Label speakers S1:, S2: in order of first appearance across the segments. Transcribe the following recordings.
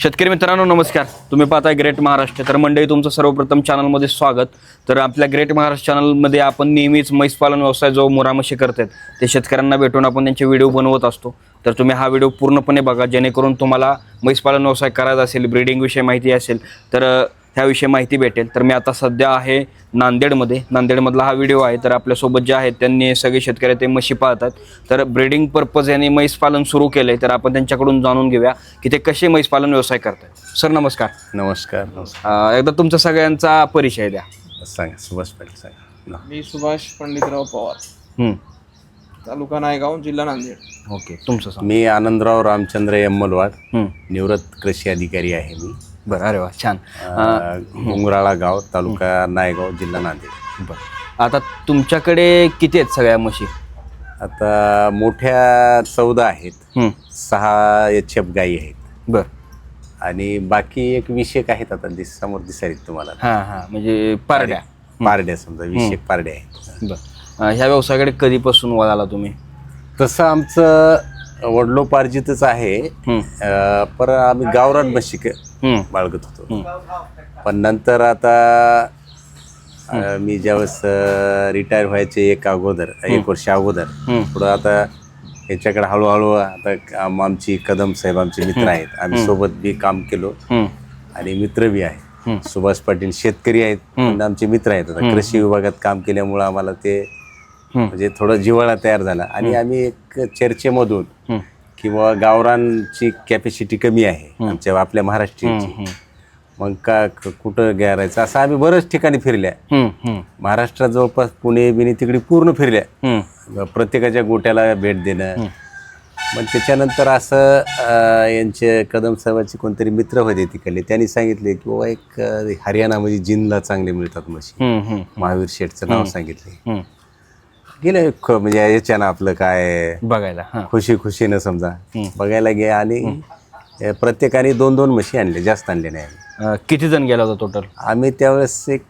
S1: शेतकरी मित्रांनो नमस्कार. तुम्ही पाहताय ग्रेट महाराष्ट्र. तर मंडळी तुमचं सर्वप्रथम चॅनलमध्ये स्वागत. तर आपल्या ग्रेट महाराष्ट्र चॅनलमध्ये आपण नेहमीच म्हैस पालन व्यवसाय जो मुरा म्हशी करतात ते शेतकऱ्यांना भेटून आपण त्यांचे व्हिडिओ बनवत असतो. तर तुम्ही हा व्हिडिओ पूर्णपणे बघा, जेणेकरून तुम्हाला म्हैस पालन व्यवसाय करायचा असेल, ब्रीडिंग विषयी माहिती असेल तर ह्याविषयी माहिती भेटेल. तर मी आता सध्या आहे नांदेडमध्ये. नांदेडमधला हा व्हिडिओ आहे. तर आपल्यासोबत जे आहेत त्यांनी सगळे शेतकरी ते म्हशी पाळतात. तर ब्रीडिंग पर्पज यांनी म्हैस पालन सुरू केलं आहे. तर आपण त्यांच्याकडून जाणून घेऊया की ते कसे म्हैस पालन व्यवसाय करतात. सर नमस्कार.
S2: नमस्कार.
S1: एकदा तुमचा सगळ्यांचा परिचय द्या.
S2: सांगा सुभाष पाटील सांगा.
S3: मी सुभाष पंडितराव पवार, तालुका नायगाव, जिल्हा नांदेड.
S1: ओके, तुमचं सांग.
S2: मी आनंदराव रामचंद्र यम्मलवाड, निवृत्त कृषी अधिकारी आहे मी.
S1: बरं, अरे वा, छान.
S2: घुंगराळा गाव, तालुका नायगाव, जिल्हा नांदेड.
S1: बरं, आता तुमच्याकडे किती आहेत सगळ्या म्हशी?
S2: आता मोठ्या 14 आहेत, 6 HF गायी आहेत.
S1: बरं.
S2: आणि बाकी एक 20 आहेत. आता समोर दिसायला तुम्हाला
S1: हां, म्हणजे पारड्या
S2: समजा 20 पारड्या आहेत.
S1: बरं, ह्या व्यवसायाकडे कधीपासून वळाला तुम्ही?
S2: तसं आमचं वडलोपार्जितच आहे. पर आम्ही गावरान म्हशी बाळगत होतो. पण नंतर आता मी ज्यावेळेस रिटायर व्हायचे एक वर्ष अगोदर पुढं आता याच्याकडे हळूहळू आता आमची कदम साहेब आमचे मित्र आहेत, आम्ही सोबत बी काम केलो आणि मित्र बी आहे. सुभाष पाटील शेतकरी आहेत पण आमचे मित्र आहेत. आता कृषी विभागात काम केल्यामुळं आम्हाला ते म्हणजे थोडं जिव्हाळा तयार झाला आणि आम्ही एक चर्चेमधून किंवा गावरांची कॅपॅसिटी कमी आहे आपल्या महाराष्ट्राची, मग कुठं घ्यायचं असं आम्ही बऱ्याच ठिकाणी फिरल्या. महाराष्ट्रात जवळपास पुणे बिणे तिकडे पूर्ण फिरल्या, प्रत्येकाच्या गोट्याला भेट देणं. मग त्याच्यानंतर असं यांचे कदम साहेबाचे कोणतरी मित्र होते तिकडले, त्यांनी सांगितले की बाबा एक हरियाणामध्ये जिनला चांगले मिळतात म्हशी, महावीर शेठचं नाव सांगितले. गेले म्हणजे याच्यानं आपलं काय
S1: बघायला
S2: खुशीनं समजा बघायला गे आणि प्रत्येकाने 2-2 म्हशी आणले, जास्त आणले नाही.
S1: किती जण गेला होता टोटल? आम्ही
S2: त्यावेळेस एक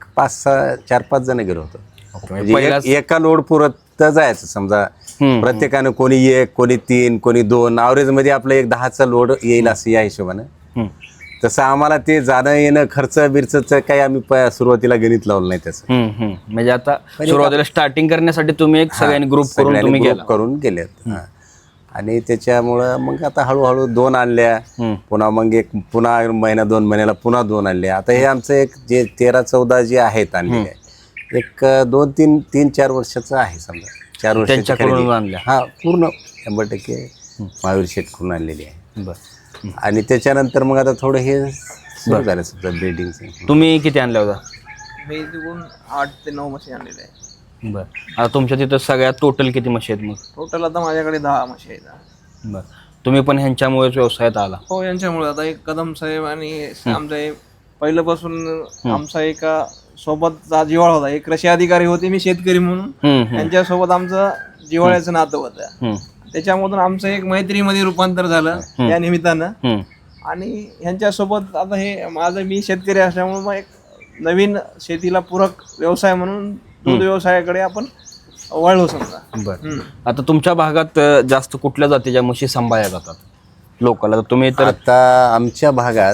S2: 4-5 जण गेलो होतो. म्हणजे एका लोड पुरत जायचं समजा, प्रत्येकानं कोणी 1, कोणी 3, कोणी 2, ॲव्हरेज मध्ये आपलं एक 10चा लोड येईल असं या हिशोबानं. तसं आम्हाला ते जाणं येणं खर्च बिर्चचं काही आम्ही सुरुवातीला गणित लावलं नाही त्याचं.
S1: म्हणजे आता सुरुवातीला स्टार्टिंग करण्यासाठी तुम्ही एक सगळ्यांनी ग्रुप
S2: करून गेलेत. आणि त्याच्यामुळं मग आता हळूहळू 2 आणल्या, पुन्हा मग पुन्हा महिना 2 महिन्याला पुन्हा 2 आणल्या. आता हे आमचं एक जे 13-14 जे आहेत आणलेले एक 2-3-4 वर्षाचं आहे समजा. 4 वर्षाच्या पूर्ण 100% महावीर शेठ करून आणलेली आहे. आणि त्याच्यानंतर मग आता थोडं हे सुरू झालं समजा ब्रीडिंगचं.
S1: तुम्ही किती आणल्या होता?
S3: मी तिकडून 8 ते 9 म्हशी आणलेल्या आहे.
S1: बरं, आता तुमच्या तिथं सगळ्यात टोटल किती म्हशी आहेत मग?
S3: टोटल आता माझ्याकडे 10 म्हशी आहेत.
S1: बरं, तुम्ही पण ह्यांच्यामुळेच व्यवसायात आला?
S3: हो, यांच्यामुळे. आता एक कदम साहेब आणि आमचा पहिल्यापासून आमचा एका सोबतचा जिव्हाळा होता. एक कृषी अधिकारी होते, मी शेतकरी म्हणून. त्यांच्यासोबत आमचं जिव्हाळ्याचं नातं होतं. त्याच्यामधून आमचं एक मैत्रीमध्ये रूपांतर झालं या निमित्तानं. आणि ह्यांच्यासोबत आता हे माझं, मी शेतकरी असल्यामुळे मग एक नवीन शेतीला पूरक व्यवसाय म्हणून दूध व्यवसायाकडे आपण वळलो समजा.
S1: बरं, आता तुमच्या भागात जास्त कुठल्या जातीच्या म्हशी सांभाळल्या जातात लोकांना? तुम्ही तर
S2: आता आमच्या भागात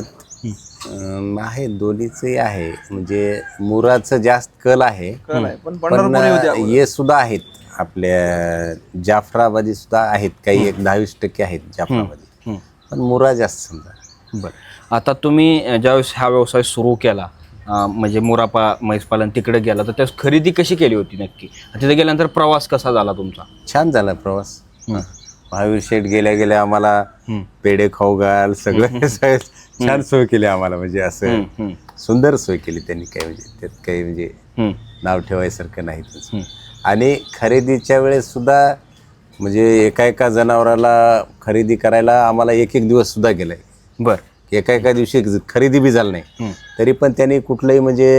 S2: आहे, दोन्हीचंही आहे. म्हणजे मुराचं जास्त कल आहे, पण हे सुद्धा आहेत. आपल्या जाफराबादी सुद्धा आहेत, काही 10-20% आहेत जाफराबादी, पण मुरा जास्त समजा.
S1: बरं, आता तुम्ही ज्यावेळेस हा व्यवसाय सुरू केला, म्हणजे मुरापा म्हैस पालन तिकडे गेला, तर त्यास खरेदी कशी केली होती नक्की? तिथे गेल्यानंतर प्रवास कसा झाला तुमचा?
S2: छान झाला प्रवास. महावीर शेठ गेल्या आम्हाला पेढे खाऊ घाल सगळं छान सोय केली आम्हाला. म्हणजे असं सुंदर सोय केली त्यांनी, काही म्हणजे त्यात काही म्हणजे नाव ठेवायसारखं नाही. आणि खरेदीच्या वेळेस सुद्धा म्हणजे एका जनावराला खरेदी करायला आम्हाला 1 दिवस सुद्धा गेलाय.
S1: बरं,
S2: एका दिवशी खरेदी बी झालं नाही, तरी पण त्यांनी कुठलंही म्हणजे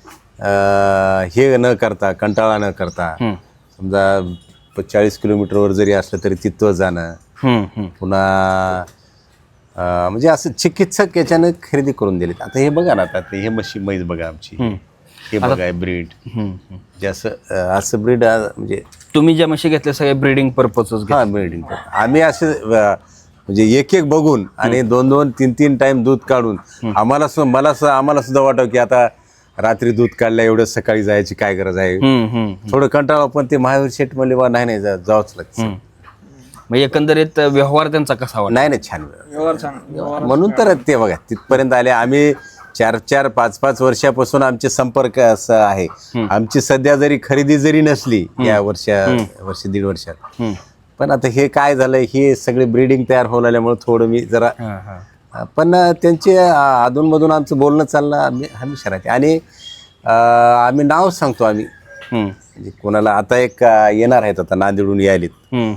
S2: हे न करता, कंटाळा न करता, समजा 40 किलोमीटरवर जरी असलं तरी तिथं जाणं, पुन्हा म्हणजे असं चिकित्सक याच्यानं खरेदी करून दिलेत. आता हे बघा ना, आता हे म्हैस बघा आमची, हे बघा ब्रीड, असं ब्रीड म्हणजे
S1: तुम्ही ज्या म्हशी घेतल्या सगळ्या ब्रीडिंग पर्पजच?
S2: ब्रीडिंग. आम्ही असे म्हणजे एक एक बघून आणि 2-2, 3-3 टाइम दूध काढून आम्हाला सुद्धा वाटव की आता रात्री दूध काढलं एवढं सकाळी जायची काय गरज आहे. थोडं कंटाळा, पण ते महावीर शेठ म्हणले बा नाही जावंच लागतं.
S1: मग एकंदरीत व्यवहार त्यांचा कसा वाटला?
S2: नाही छान
S3: व्यवहार चांगला.
S2: म्हणून तर ते बघा तिथपर्यंत आले. आम्ही 4-4, 5-5 वर्षापासून आमचे संपर्क असं आहे. आमची सध्या जरी खरेदी जरी नसली या वर्ष 1.5 वर्षात, पण आता हे काय झालं, हे सगळे ब्रीडिंग तयार होऊ लागल्यामुळे थोडं मी जरा, पण त्यांचे अधूनमधून आमचं बोलणं चाललं आम्ही हमेशा राहते. आणि आम्ही नाव सांगतो आम्ही, म्हणजे कोणाला आता एक येणार आहेत आता नांदेडून यायलेत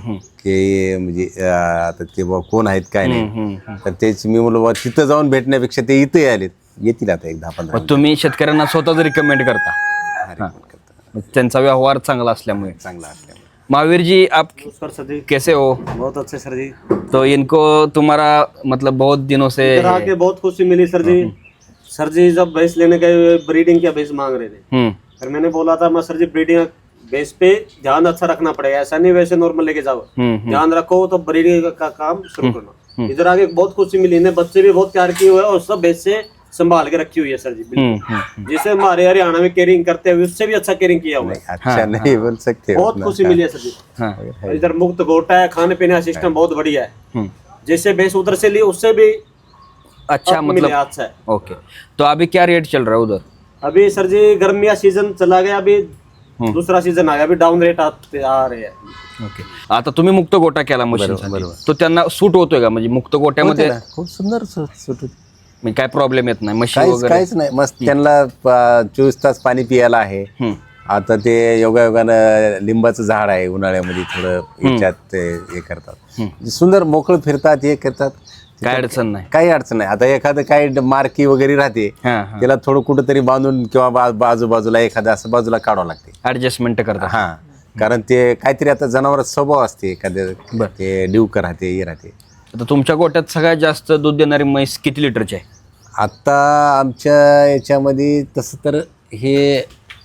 S2: की म्हणजे आता ते कोण आहेत काय नाही, तर तेच मी म्हणलो बा तिथं जाऊन भेटण्यापेक्षा ते इथे यायलेत, येतील आता 10-15.
S1: तुम्ही शेतकऱ्यांना स्वतः रिकमेंड करता, त्यांचा व्यवहार चांगला असल्यामुळे. महावीर जी, आप कैसे हो?
S4: बहुत अच्छे सर जी।
S1: तो इनको तुम्हारा मतलब बहुत दिनों से
S4: इधर आके बहुत खुशी मिली सर जी। सर जी जब भैंस लेने गए ब्रीडिंग क्या भैंस मांग रहे थे, फिर मैंने बोला था मैं सर जी ब्रीडिंग भैंस पे ध्यान अच्छा रखना पड़ेगा, ऐसा नहीं वैसे नॉर्मल लेके जाओ, ध्यान रखो तो ब्रीडिंग का काम शुरू करना। इधर आके बहुत खुशी मिली, इन्हें बच्चे भी बहुत प्यार किए हुए और सब भैंस से संभाल के रखी हुई है सर जी, बिल्कुल जिसे हमारे हरियाणा में केयरिंग करते हैं उससे भी अच्छा केयरिंग किया हुआ है।
S2: अच्छा नहीं बोल सकते,
S4: बहुत खुशी मिली है सर जी। इधर मुक्त गोटा है, खाने पीने का सिस्टम बहुत बढ़िया है, जैसे भैंस उधर से ली उससे भी
S1: अच्छा मतलब
S4: अच्छा है।
S1: ओके, तो अभी क्या रेट चल रहा है उधर?
S4: अभी सर जी गर्मी का सीजन चला गया, अभी दूसरा सीजन आ गया, अभी डाउन रेट आ रहे हैं।
S1: ओके, आता तुम्ही मुक्त गोटा केला मशीन, तो त्यांना सूट होतोय का? म्हणजे मुक्त गोट्यामध्ये
S2: खूप सुंदर सुट,
S1: म्हणजे काय प्रॉब्लेम येत नाही, म्हशी वगैरे?
S2: काहीच नाही, मस्त त्यांना 24 तास पाणी पियाला आहे. आता ते योगायोगानं लिंबाचं झाड आहे, उन्हाळ्यामध्ये थोडं याच्यात ते हे करतात, सुंदर मोकळं फिरतात, हे करतात,
S1: काय अडचण नाही.
S2: काही अडचण नाही. आता एखादं काही मार्की वगैरे राहते, त्याला थोडं कुठंतरी बांधून किंवा बाजूबाजूला एखादं असं बाजूला काढावं लागते,
S1: ऍडजस्टमेंट करतात.
S2: हा, कारण ते काहीतरी आता जनावरात स्वभाव असते, एखाद्या ते डिवकर राहते, हे राहते.
S1: आता तुमच्या गोट्यात सगळ्यात जास्त दूध देणारी म्हैस किती लिटरची आहे?
S2: आता आमच्या याच्यामध्ये तसं तर हे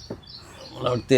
S2: मला वाटते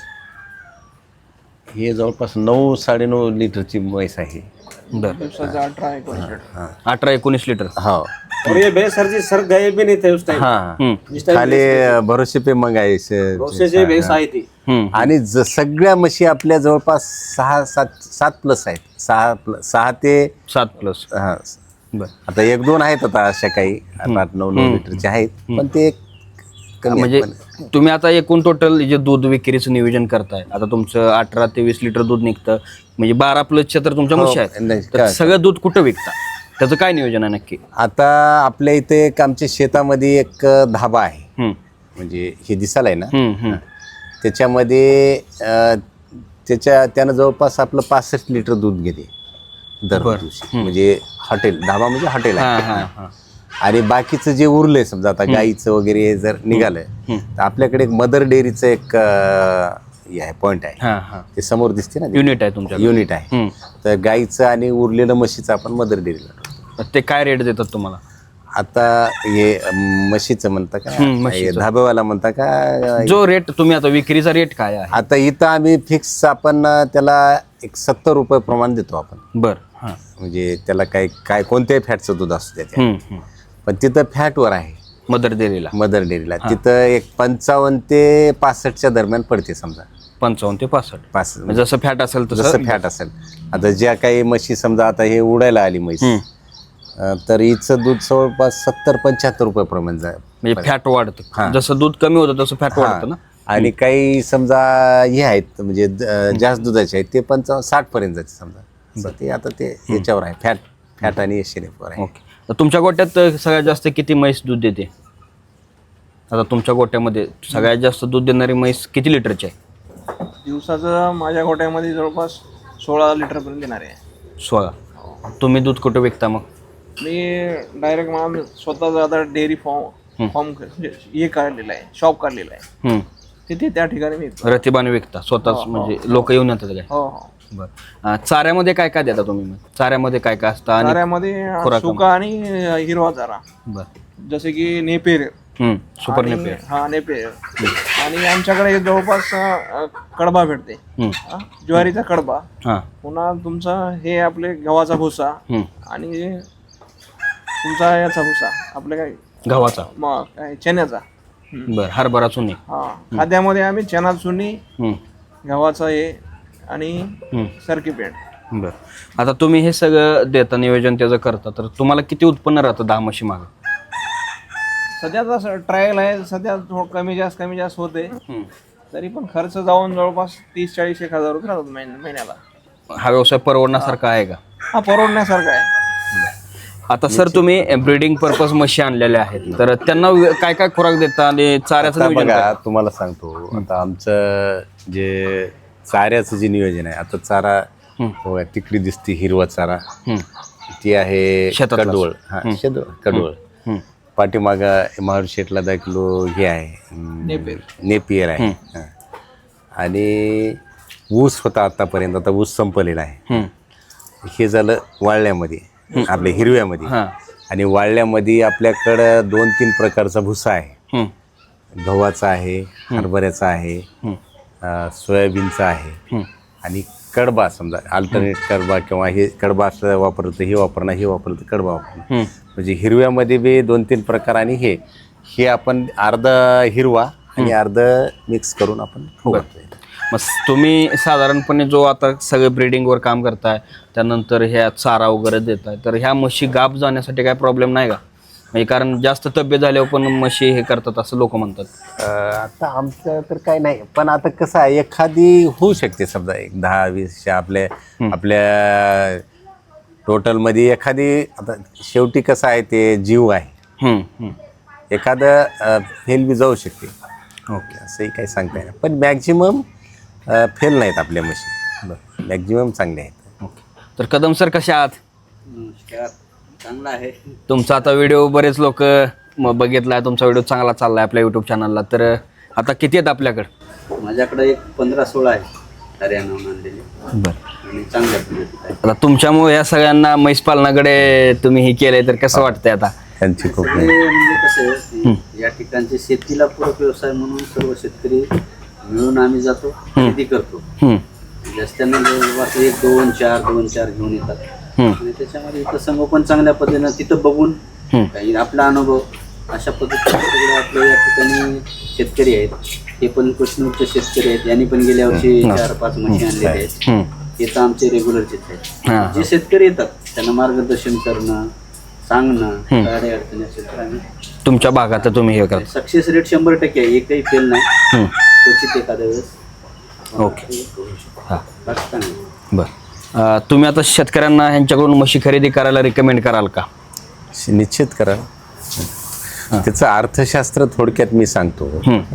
S2: हे जवळपास 9-9.5 लिटरची म्हैस आहे.
S3: दिवसाचा 18-19 लिटर.
S1: 18-19 लिटर.
S2: हो,
S4: और ये भैंस सर जी सर गए भी नहीं थे उस टाइम,
S2: हा,
S4: जिस टाइम
S2: खाली भरोसे पे मंगायचे.
S4: भरोसे से भैंस आई थी।
S2: आणि सगळ्या म्हशी आपल्या जवळपास 6-7 प्लस आहेत, 6 ते
S1: 7 प्लस.
S2: हा.
S1: बर,
S2: आता 1-2 आहेत आता अशा काही 8-9 लिटरचे आहेत, पण ते कमी
S1: म्हणजे
S2: आहेत. पण
S1: तुम्ही आता एकूण टोटल जे दूध विक्रीचं नियोजन करताय, आता तुमचं 18 ते 20 लिटर दूध निघतं, म्हणजे 12 प्लसच्या तर तुमच्या म्हशी
S2: नाही,
S1: आहेत, तर सगळं दूध कुठं विकता? त्याचं काय नियोजन आहे नक्की?
S2: आता आपल्या इथे एक आमच्या शेतामध्ये एक धाबा आहे, म्हणजे हे दिसायला आहे ना, त्याच्यामध्ये त्यानं जवळपास आपलं 65 लिटर दूध घेते दर दिवशी. म्हणजे हॉटेल, धाबा म्हणजे हॉटेल आहे. आणि बाकीचं जे उरलंय समजा आता गाईचं वगैरे जर निघालं, तर आपल्याकडे एक मदर डेअरीचं एक पॉइंट आहे, ते समोर दिसते ना,
S1: युनिट आहे तुमच्या?
S2: युनिट आहे. तर गाईचं आणि उरलेलं म्हशीचं आपण मदर डेअरीला.
S1: ते काय रेट देतात तुम्हाला?
S2: आता हे म्हशीचं म्हणता का, धाब्यावाला म्हणता का?
S1: जो रेट तुम्ही आता विक्रीचा रेट काय आहे?
S2: आता इथं आम्ही फिक्स आपण त्याला एक 70 रुपये प्रमाण देतो आपण.
S1: बर,
S2: म्हणजे त्याला काय कोणत्याही फॅटचं दूध असतं त्याच्यात, पण तिथं फॅटवर आहे
S1: मदर डेअरीला.
S2: मदर डेअरीला तिथं एक 55 ते 65च्या दरम्यान पडते समजा.
S1: 55 ते 65.
S2: म्हणजे
S1: जसं फॅट असेल
S2: जसं फॅट असेल. आता ज्या काही म्हशी समजा आता हे उडायला आली म्हैस, तर हिचं दूध जवळपास 70-75 रुपये प्रमाण जाय,
S1: म्हणजे फॅट वाढतं. जसं दूध कमी होतं तसं फॅट वाढतं ना.
S2: आणि काही समजा हे आहेत म्हणजे जास्त दुधाचे आहेत, ते 55-60 पर्यंत जाते समजा. ते आता ते याच्यावर आहे, फॅट आणि एशेनेफवर आहे.
S1: ओके, तर तुमच्या गोट्यात सगळ्यात जास्त किती म्हैस दूध देते? आता तुमच्या गोट्यामध्ये सगळ्यात जास्त दूध देणारी म्हैस किती लिटरची आहे?
S3: दिवसाचं माझ्या गोट्यामध्ये जवळपास 16 लिटर पर्यंत देणार आहे.
S1: 16. तुम्ही दूध कुठं विकता मग?
S3: मी डायरेक्ट मला स्वतःच आता डेअरी फॉर्म हे काढलेलं आहे, शॉप काढलेलं आहे, तिथे त्या ठिकाणी मी
S1: रतिबाने विकता स्वतःच, म्हणजे लोक येऊन येतात काय?
S3: हो.
S1: बरं, चाऱ्यामध्ये काय काय देता तुम्ही मग? चाऱ्यामध्ये काय काय असतं? आणि
S3: चाऱ्यामध्ये सुका आणि हिरवा चारा,
S1: बरं,
S3: जसे की नेपेर,
S1: सुपर नेपियर.
S3: हा नेपियर. आणि आमच्याकडे जवळपास कडबा भेटते, ज्वारीचा कडबा,
S1: हा
S3: पुन्हा तुमचा हे आपले गव्हाचा भुसा आणि तुमचा याचा भुसा आपल्या काय
S1: गव्हाचा,
S3: काय चण्याचा.
S1: बर हरभरा चुनी.
S3: हा खाद्यामध्ये आम्ही चना चुनी, गव्हाचा हे आणि सरकी पेंट.
S1: बर आता तुम्ही हे सगळं देता, नियोजन त्याचं करता, तर तुम्हाला किती उत्पन्न राहतं 10 म्हशी मागं?
S3: सध्याचा ट्रायल आहे, सध्या कमी जास्त होते, तरी पण खर्च जाऊन जवळपास 30-40 एक हजार रुपये राहतात महिन्याला.
S1: हा व्यवसाय परवडण्यासारखा आहे का?
S3: हा परवडण्यासारखा आहे.
S1: आता सर तुम्ही ब्रीडिंग पर्पज म्हशी आणलेल्या आहेत, तर त्यांना काय काय खुराक देता आणि चाऱ्याचं
S2: आता
S1: नियोजन
S2: बघा
S1: काय?
S2: तुम्हाला सांगतो, आता आमचं जे चाऱ्याचं जे नियोजन आहे, आता चारा बघा तिकडे दिसते हिरवा चारा, ती आहे
S1: शेतातलाच.
S2: कडवळ. हा कडवळ. पाठीमागा महावीर शेटला 10 किलो हे आहे नेपियर आहे. हा. आणि ऊस होता आतापर्यंत, आता ऊस संपलेला आहे. हे झालं वाळल्यामध्ये, आपल्या हिरव्यामध्ये. आणि वाळल्यामध्ये आपल्याकडं 2-3 प्रकारचा भुसा आहे. गव्हाचा आहे, हरभऱ्याचा आहे, सोयाबीनचा आहे आणि कडबा. समजा अल्टरनेट कडबा किंवा हे कडबा असं वापरलं तर हे वापरणं, हे वापरलं तर कडबा वापरणं. म्हणजे हिरव्यामध्ये बी 2-3 प्रकार आणि हे आपण अर्धा हिरवा आणि अर्ध मिक्स करून आपण खाऊ घालतोय.
S1: मग तुम्ही साधारणपणे जो आता सगळे ब्रीडिंगवर काम करताय, त्यानंतर ह्या चारा वगैरे देताय, तर ह्या म्हशी गाप जाण्यासाठी काय प्रॉब्लेम नाही का? म्हणजे कारण जास्त तब्येत झाल्यावर पण म्हशी हे करतात असं लोक म्हणतात.
S2: आता आमचं तर काय नाही, पण आता कसं आहे, एखादी होऊ शकते समजा एक 10-20 आपल्या टोटलमध्ये एखादी. आता शेवटी कसं आहे, ते जीव आहे, एखादं फेल बी जाऊ शकते. ओके, असंही काही सांगता येणार, पण मॅक्झिमम फेल नाहीत आपल्या म्हशी, मॅक्झिमम चांगले आहेत.
S1: ओके, तर कदम सर कशा आहात?
S5: चांगला आहे.
S1: तुमचा आता व्हिडिओ बरेच लोक बघितलाय, तुमचा व्हिडिओ चांगला चाललाय आपल्या युट्यूब चॅनलला. तर आता किती आहेत आपल्याकडे?
S5: माझ्याकडे एक 15-16 आहे हरियाणाहून आणलेले.
S1: बरं.
S5: आणि चांगल्या पद्धतीत आहे.
S1: आता तुमच्यामुळे या सगळ्यांना म्हैस पालनाकडे तुम्ही हे केलंय, तर कसं वाटतंय आता?
S2: त्यांची खूप
S5: ते म्हणजे कसं आहे, या ठिकाणचे शेतीला पूरक व्यवसाय म्हणून सर्व शेतकरी मिळून आम्ही जातो, खरेदी करतो. जास्त्यांना जवळपास 1-2-4 घेऊन येतात आणि त्याच्यामध्ये इथं संगोपन चांगल्या पद्धतीनं तिथं बघून काही आपला अनुभव अशा पद्धतीने सगळे आपल्या या ठिकाणी शेतकरी आहेत. हे पण कृष्णूरचे शेतकरी आहेत, यांनी पण गेल्या वर्षी 4-5 म्हशी आणलेले आहेत. हे तर आमचे रेग्युलरचेच आहेत. जे शेतकरी येतात त्यांना मार्गदर्शन करणं, सांगणं, काय अडचणी असेल तर आम्ही
S1: तुमच्या भागात तुम्ही हे करता.
S5: सक्सेस रेट 100% आहे, एकही फेल नाही. क्वचित एखाद्या वेळेस.
S1: ओके, बरं. तुम्ही आता शेतकऱ्यांना ह्यांच्याकडून म्हशी खरेदी करायला रिकमेंड कराल का?
S2: निश्चित करा. त्याचं अर्थशास्त्र थोडक्यात मी सांगतो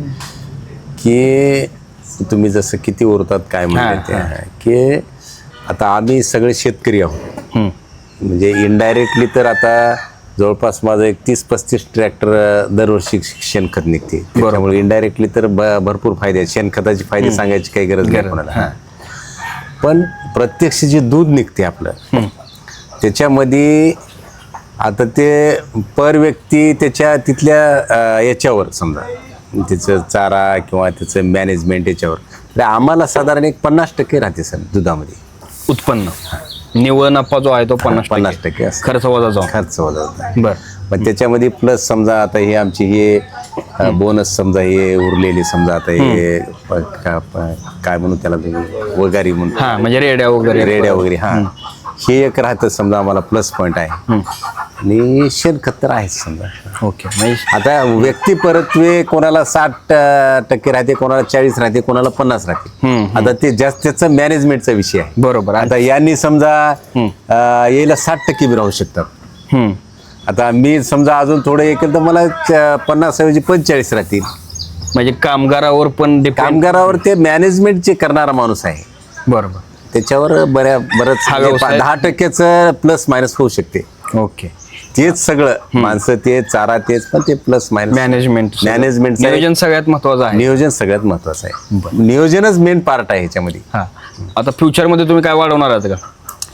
S2: की तुम्ही जसं किती उरतात काय म्हणतात की आता आम्ही सगळे शेतकरी आहोत. म्हणजे इनडायरेक्टली तर आता जवळपास माझं एक 30-35 ट्रॅक्टर दरवर्षी शेणखत निघते. त्यामुळे इनडायरेक्टली तर भरपूर फायदे आहेत. शेणखताचे फायदे सांगायची काही गरज नाही कोणाला. पण प्रत्यक्ष जे दूध निघते आपलं, त्याच्यामध्ये आता ते पर व्यक्ती त्याच्या तिथल्या याच्यावर समजा त्याचं चारा किंवा त्याचं मॅनेजमेंट याच्यावर, तर आम्हाला साधारण एक 50% राहते सर दुधामध्ये
S1: उत्पन्न. निव्वळ नफा जो आहे तो 50%
S2: असतो.
S1: खर्च वजा जाऊन.
S2: खर्च वजा होता.
S1: बरं.
S2: पण त्याच्यामध्ये प्लस समजा आता हे आमची हे बोनस समजा हे उरलेले समजा आता हे काय म्हणू त्याला वगारी म्हणून,
S1: म्हणजे रेड्या वगैरे
S2: हे एक राहतं समजा आम्हाला प्लस पॉईंट आहे. आणि शेणखत तर आहेच समजा.
S1: ओके,
S2: आता व्यक्ती परत्वे कोणाला 60% राहते, कोणाला 40 राहते, कोणाला 50 राहते. आता ते जास्त त्याचा मॅनेजमेंटचा विषय आहे.
S1: बरोबर.
S2: आता यांनी समजा यायला 60% बी राहू शकतात. आता मी समजा अजून थोडं हे केलं तर मला 50 ऐवजी 45 राहतील.
S1: म्हणजे कामगारावर पण
S2: कामगारावर ते मॅनेजमेंट जे करणारा माणूस आहे,
S1: बरोबर,
S2: त्याच्यावर बरंच 10% प्लस मायनस होऊ शकते.
S1: ओके,
S2: तेच सगळं माणसं ते चारा तेच, पण ते प्लस मायनस
S1: मॅनेजमेंट नियोजन सगळ्यात महत्वाचं आहे.
S2: नियोजन सगळ्यात महत्वाचं आहे. नियोजनच मेन पार्ट आहे ह्याच्यामध्ये.
S1: आता फ्युचरमध्ये तुम्ही काय वाढवणार आहात का?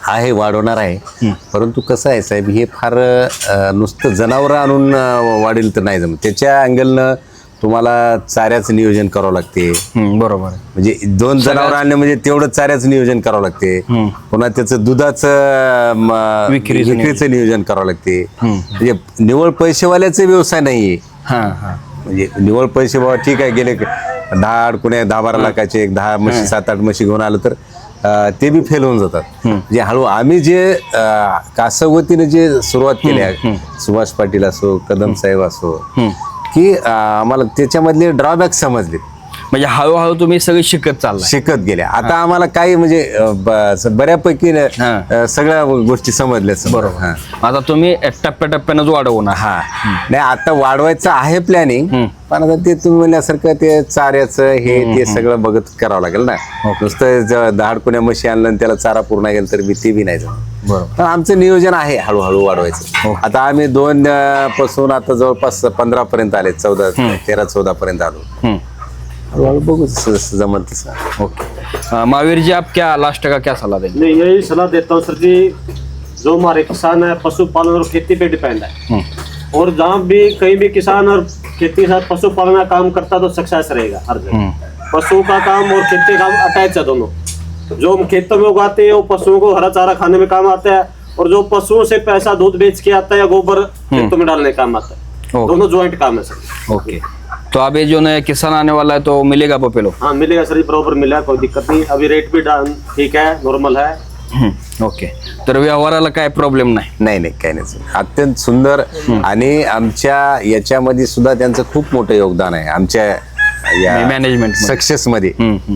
S2: आहे, वाढवणार आहे. परंतु कसं आहे साहेब, हे फार नुसतं जनावरं आणून वाढेल तर नाही जमत. त्याच्या अँगलनं तुम्हाला चाऱ्याचं नियोजन करावं लागते.
S1: बरोबर आहे.
S2: म्हणजे 2 जनावर आणले म्हणजे तेवढं चाऱ्याचं नियोजन करावं लागते. पुन्हा त्याचं दुधाचं विक्रीचं नियोजन करावं लागते. म्हणजे निवळ पैसेवाल्याचा व्यवसाय नाहीये. म्हणजे निवळ पैसे बाबा ठीक आहे, गेले 10-12 लाखाचे 10 म्हशी 7-8 म्हशी घेऊन आलं तर ते बी फेल होऊन जातात. म्हणजे हळू आम्ही जे कासवतीने जे सुरुवात केली आहे, सुभाष पाटील असो, कदम साहेब असो, की आम्हाला त्याच्यामधले ड्रॉबॅक समजले.
S1: म्हणजे हळूहळू तुम्ही सगळे शिकत
S2: गेले. आता आम्हाला काही म्हणजे बऱ्यापैकी सगळ्या गोष्टी समजल्या.
S1: बरोबर. आता तुम्ही टप्प्याटप्प्यानं वाढवणार.
S2: नाही, आता वाढवायचं आहे प्लॅनिंग, पण आता ते तुम्ही म्हणल्यासारखं ते चाऱ्याचं हे ते सगळं बघत करावं लागेल ना. नुसतं 10 कुण्या म्हशी आणलं आणि त्याला चारा पूर्ण गेला तर ते बी नाही जमत. पण आमचं नियोजन आहे हळूहळू वाढवायचं. आता आम्ही 2 पासून आता जवळपास 15 पर्यंत आले, 13-14 पर्यंत आलो. हळूहळू बघू जमल तसं.
S1: ओके महावीर जी, आप क्या लास्ट का क्या सलाह देंगे?
S4: मैं यही सलाह देता हूँ सर जी, जो हमारे किसान है पशुपालन और खेती पे डिपेंड है, और जहाँ भी कहीं भी किसान और खेती के साथ पशुपालन का काम करता तो सक्सेस रहेगा हर जगह. पशु का काम और खेती का काम अटैच है दोनों. जो हम खेतों में उगाते हैं वो पशुओं को हरा चारा खाने में काम आता है, और जो पशुओं से पैसा दूध बेच के आता है या गोबर खेतों में डालने काम आता है. दोनों ज्वाइंट काम है सर.
S1: ओके, तो अभी जो नया किसान आने वाला है तो मिलेगा बफेलो?
S4: हाँ मिलेगा सर जी, बराबर मिलेगा, कोई दिक्कत नहीं. अभी रेट भी ठीक है, नॉर्मल है.
S1: ओके, तर व्यवहाराला काय प्रॉब्लेम नाही?
S2: नाही काही नाही. अत्यंत सुंदर. आणि आमच्या याच्यामध्ये सुद्धा त्यांचं खूप मोठं योगदान आहे आमच्या या
S1: मॅनेजमेंट
S2: सक्सेस मध्ये.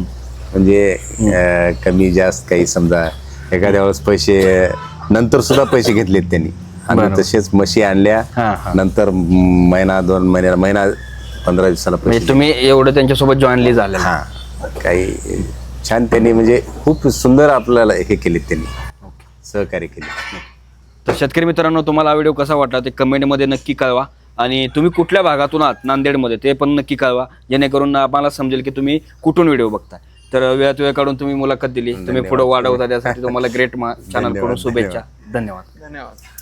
S2: म्हणजे कमी जास्त काही समजा एखाद्या वेळेस पैसे नंतर सुद्धा पैसे घेतलेत त्यांनी. आणि तसेच म्हशी आणल्या नंतर महिना 2 महिना 15 दिवसाला पैसे.
S1: तुम्ही एवढं त्यांच्यासोबत जॉईनली झाले?
S2: काही छान त्यांनी म्हणजे खूप सुंदर आपल्याला हे केले, त्यांनी सहकार्य केले.
S1: तर शेतकरी मित्रांनो, तुम्हाला हा व्हिडिओ कसा वाटला ते कमेंटमध्ये नक्की कळवा. आणि तुम्ही कुठल्या भागातून आहात नांदेडमध्ये ते पण नक्की कळवा, जेणेकरून आम्हाला समजेल की तुम्ही कुठून व्हिडिओ बघताय. तर वेळात वेळ काढून तुम्ही मुलाखत दिली, तुम्ही पुढे वाढवता, त्यासाठी तुम्हाला ग्रेट चॅनल कडून शुभेच्छा. धन्यवाद.